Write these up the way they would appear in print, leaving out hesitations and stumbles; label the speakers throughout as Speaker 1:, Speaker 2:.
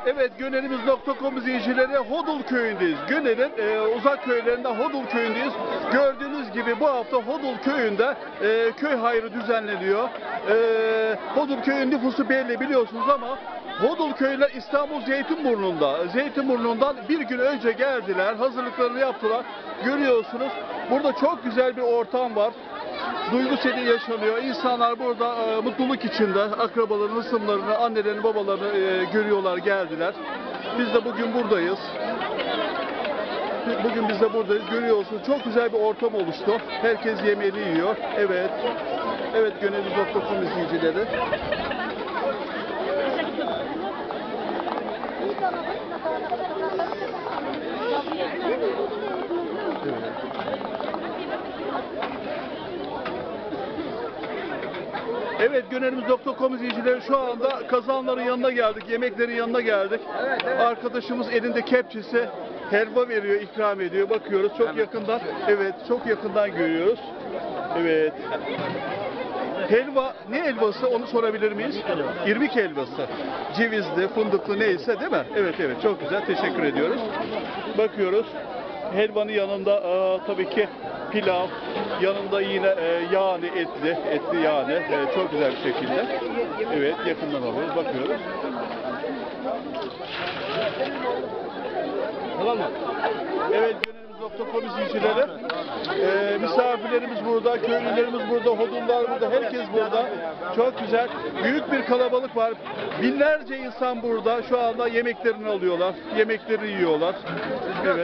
Speaker 1: Evet, Gönelimiz.com izleyicileri Hodul köyündeyiz. Gönel'in uzak köylerinde Hodul köyündeyiz. Gördüğünüz gibi bu hafta Hodul köyünde köy hayrı düzenleniyor. Hodul köyün nüfusu belli biliyorsunuz ama Hodul köyüler İstanbul Zeytinburnu'nda. Zeytinburnu'ndan bir gün önce geldiler, hazırlıklarını yaptılar. Görüyorsunuz burada çok güzel bir ortam var. Duygu seli yaşanıyor. İnsanlar burada mutluluk içinde akrabalarını, hısımlarını, annelerini, babalarını görüyorlar, geldiler. Biz de bugün buradayız. Bugün biz de buradayız. Görüyorsunuz çok güzel bir ortam oluştu. Herkes yemeğini yiyor. Evet. Evet, Gönelimiz.com izleyicileri. Evet, Gönelimiz.com izleyicileri şu anda kazanların yanına geldik, yemeklerin yanına geldik. Arkadaşımız elinde kepçesi helva veriyor, ikram ediyor. Bakıyoruz çok yakından. Evet, çok yakından görüyoruz. Evet. Helva, ne helvası onu sorabilir miyiz? İrmik helvası. Cevizli, fındıklı neyse değil mi? Evet, evet, çok güzel. Teşekkür ediyoruz. Bakıyoruz. Helvanın yanında tabii ki pilav, yanında yine yağını etli yağını çok güzel bir şekilde. Evet, yakından alıyoruz, bakıyoruz. Tamam mı? Evet, Gönelimiz.com izleyicileri. Misafirlerimiz burada, köylülerimiz burada, hodullar burada, herkes burada. Çok güzel. Büyük bir kalabalık var. Binlerce insan burada. Şu anda yemeklerini alıyorlar. Yemeklerini yiyorlar. Evet.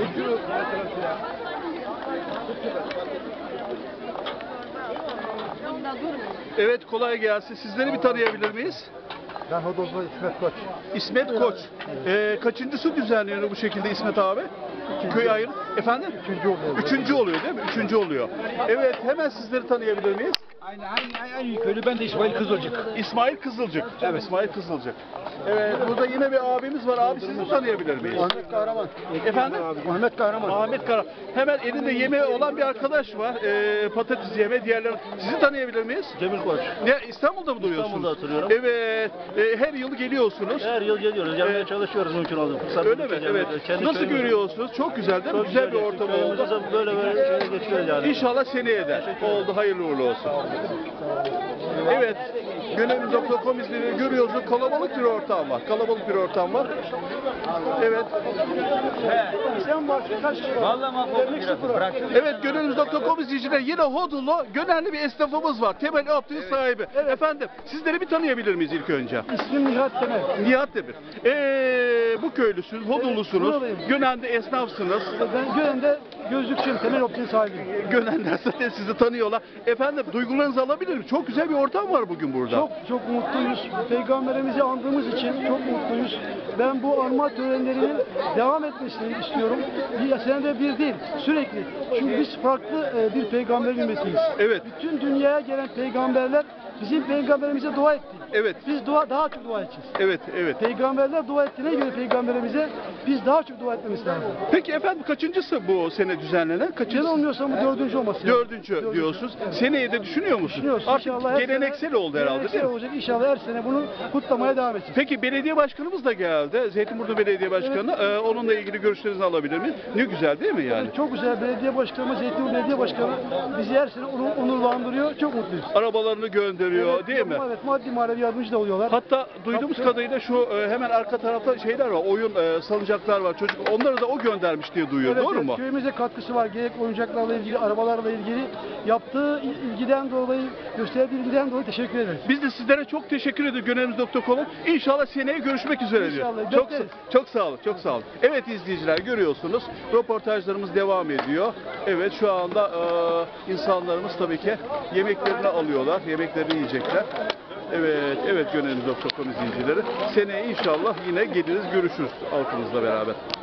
Speaker 1: Evet, kolay gelsin. Sizleri bir tanıyabilir miyiz?
Speaker 2: Ben Hodol'da İsmet Koç.
Speaker 1: İsmet Koç. Kaçıncısı düzenleniyor bu şekilde İsmet abi? Köy ayrı. Efendim?
Speaker 2: Üçüncü oluyor.
Speaker 1: Üçüncü oluyor değil mi? Üçüncü oluyor. Evet, hemen sizleri tanıyabilir miyiz?
Speaker 2: Aynı köylü. Ben de İsmail Kızılcık.
Speaker 1: İsmail Kızılcık. Evet, İsmail Kızılcık. Evet, burada yine bir abimiz var. Abi sizi tanıyabilir miyiz?
Speaker 2: Ahmet Kahraman.
Speaker 1: Efendim?
Speaker 2: Ahmet Kahraman.
Speaker 1: Ahmet Kara. Hemen elinde yemeği olan bir arkadaş var. Patates yemeği, diğerleri. Sizi tanıyabilir miyiz?
Speaker 2: Cemil Koç.
Speaker 1: Ne, İstanbul'da mı duruyorsunuz?
Speaker 2: İstanbul'da oturuyorum.
Speaker 1: Evet. Her yıl geliyorsunuz.
Speaker 2: Her yıl geliyoruz. Yapmaya çalışıyoruz mümkün olduğu.
Speaker 1: Öyle mi? Evet. Nasıl görüyorsunuz? Çok güzel değil mi? Güzel bir ortam oldu.
Speaker 2: Böyle geçiyoruz yani.
Speaker 1: İnşallah seneye de oldu. Hayırlı uğurlu olsun. Evet. Gönelimiz.com izleyicileri görüyorsunuz. Kalabalık bir ortam var. Kalabalık bir ortam var. Evet. Evet, Gönelimiz.com izleyicileri yine Hodullu Gönelli bir esnafımız var. Temel Optik sahibi. Efendim, sizleri bir tanıyabilir miyiz ilk önce?
Speaker 2: İsmim Nihat Temel.
Speaker 1: Nihat Demir. Bu köylüsünüz, Hodullusunuz.
Speaker 2: buradayım.
Speaker 1: Gönen'de esnafsınız.
Speaker 2: Ben Gönen'de gözlükçüyüm. Temel Optik'in sahibiyim.
Speaker 1: Gönenler zaten sizi tanıyorlar. Efendim, duygularınızı alabilir miyim? Çok güzel bir ortam var bugün burada.
Speaker 2: Çok mutluyuz. Peygamberimizi andığımız için çok mutluyuz. Ben bu anma törenlerinin devam etmesini istiyorum. Senede bir değil, sürekli. Çünkü biz farklı bir peygamber ümmetiyiz.
Speaker 1: Evet.
Speaker 2: Bütün dünyaya gelen peygamberler bizim peygamberimize dua etti.
Speaker 1: Evet.
Speaker 2: Biz daha çok dua edeceğiz.
Speaker 1: Evet, evet.
Speaker 2: Peygamberler dua ettiğine göre peygamberimize biz daha çok dua etmemiz lazım.
Speaker 1: Peki efendim, kaçıncısı bu sene düzenlenen? Kaçıncısı?
Speaker 2: Yanılmıyorsam bu dördüncü olması.
Speaker 1: Dördüncü diyorsunuz.
Speaker 2: Evet.
Speaker 1: Seneye de düşünüyor musunuz?
Speaker 2: Düşünüyoruz.
Speaker 1: Artık
Speaker 2: İnşallah her
Speaker 1: geleneksel
Speaker 2: sene,
Speaker 1: oldu herhalde değil mi?
Speaker 2: olacak. İnşallah her sene bunu kutlamaya devam edeceğiz.
Speaker 1: Peki belediye başkanımız da geldi. Zeytinburnu Belediye Başkanı. Onunla ilgili görüşlerinizi alabilir miyiz? Ne güzel değil mi yani?
Speaker 2: Çok güzel. Belediye başkanımız, Zeytinburnu Belediye Başkanı bizi her sene onurlandırıyor. Çok mutluyuz.
Speaker 1: Arabalarını gönderiyor değil mi?
Speaker 2: Evet, maddi manevi yardımcı da oluyorlar.
Speaker 1: Hatta duyduğumuz kadarıyla şu hemen arka tarafta şeyler var, oyun salıncaklar var, çocuk onları da o göndermiş diye duyuyor,
Speaker 2: Evet,
Speaker 1: doğru mu?
Speaker 2: Köyümüze katkısı var. Gerek oyuncaklarla ilgili, arabalarla ilgili yaptığı ilgiden dolayı, gösterdiği ilgiden dolayı teşekkür ederiz.
Speaker 1: Biz de sizlere çok teşekkür ediyoruz Gönelimiz.com'a. İnşallah seneye görüşmek üzere diyor.
Speaker 2: İnşallah,
Speaker 1: Çok,
Speaker 2: bekleriz.
Speaker 1: çok sağ olun, çok sağ olun. Evet izleyiciler, görüyorsunuz röportajlarımız devam ediyor. Evet, şu anda insanlarımız tabii ki yemeklerini alıyorlar, yemeklerini yiyecekler. Evet, evet, Gönelimiz.com izleyicileri. Seneye inşallah yine geliriz, görüşürüz halkımızla beraber.